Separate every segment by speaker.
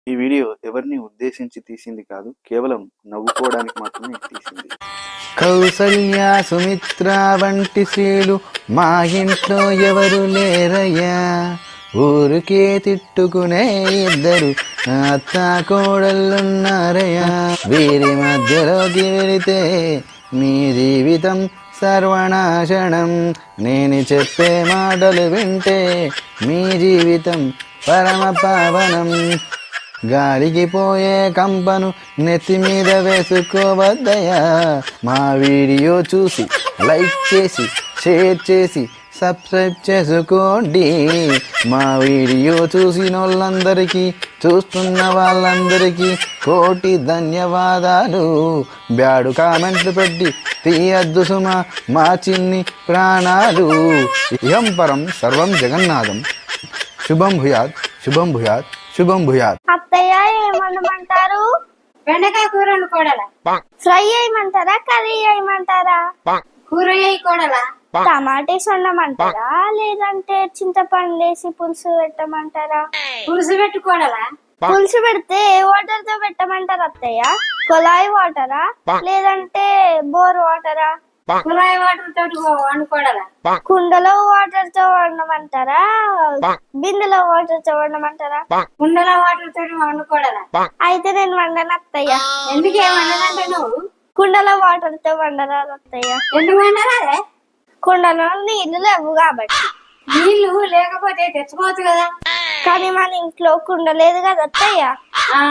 Speaker 1: ఈ వీడియో ఎవరిని ఉద్దేశించి తీసింది కాదు, కేవలం నవ్వుకోవడానికి మాత్రమే తీసింది. కౌసల్య సుమిత్ర వంటి స్త్రీలు మా ఇంట్లో ఎవరు లేరయ్యా, ఊరికే తిట్టుకునే ఇద్దరు అత్త కోడళ్ళున్నారయ్యా. వీరి మధ్యలోకి వెళితే మీ జీవితం సర్వనాశనం. నేను చెప్పే మాటలు వింటే మీ జీవితం పరమ పావనం. గాలికి పోయే కంపను నెత్తి మీద వేసుకోవద్దయా. మా వీడియో చూసి లైక్ చేసి షేర్ చేసి సబ్స్క్రైబ్ చేసుకోండి. మా వీడియో చూసిన వాళ్ళందరికీ, చూస్తున్న వాళ్ళందరికీ కోటి ధన్యవాదాలు. బ్యాడు కామెంట్లు పెట్టి తీయద్దు సుమా మా చిన్ని ప్రాణాలు. ఇహం పరం సర్వం జగన్నాథం. శుభం భూయాత్, శుభం భూయాత్, శుభం భూయాత్.
Speaker 2: అత్తయ్య ఏమనమంటారు?
Speaker 3: బెండకాయ కూర వండుకోడలా,
Speaker 2: ఫ్రై చేయమంటారా, కర్రీ చేయమంటారా?
Speaker 3: కూర వేయకూడలా,
Speaker 2: టమాటేస్ వండమంటారా, లేదంటే చింతపండు వేసి పులుసు పెట్టమంటారా?
Speaker 3: పులుసు పెట్టుకోడలా.
Speaker 2: పులుసు పెడితే ఏ వాటర్ తో పెట్టమంటారు అత్తయ్య? కొలాయి వాటరా, లేదంటే బోర్ వాటరా?
Speaker 3: కుళాయి వాటర్ తోటి వండుకోడలా.
Speaker 2: కుండలో వాటర్ తో వండమంటారా, బిందెలో వాటర్ తో వండమంటారా?
Speaker 3: కుండల వాటర్ తోటి వండుకోడలా.
Speaker 2: అయితే నేను వండను అత్తయ్య.
Speaker 3: ఎందుకేమన్నదంటే నువ్వు
Speaker 2: కుండలో వాటర్ తో వండరాదు అత్తయ్య.
Speaker 3: ఎందుకు వండరాదే?
Speaker 2: కుండలో నీళ్లు లేవు కాబట్టి.
Speaker 3: నీళ్లు లేకపోతే తెచ్చుకోవచ్చు కదా.
Speaker 2: కానీ మన ఇంట్లో కుండ లేదు కదా అత్తయ్య.
Speaker 3: ఆ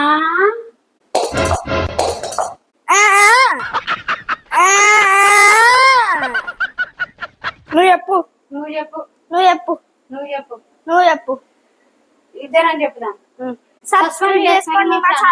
Speaker 2: ఆ, ఆ, నువ్వు చెప్పు,
Speaker 3: నువ్వు చెప్పు,
Speaker 2: నువ్వు చెప్పు,
Speaker 3: నువ్వు చెప్పు,
Speaker 2: నువ్వు చెప్పు.
Speaker 3: ఇద్దరం చెప్పుదాం.
Speaker 2: సబ్స్క్రైబ్ చేసుకోండి మా ఛానల్.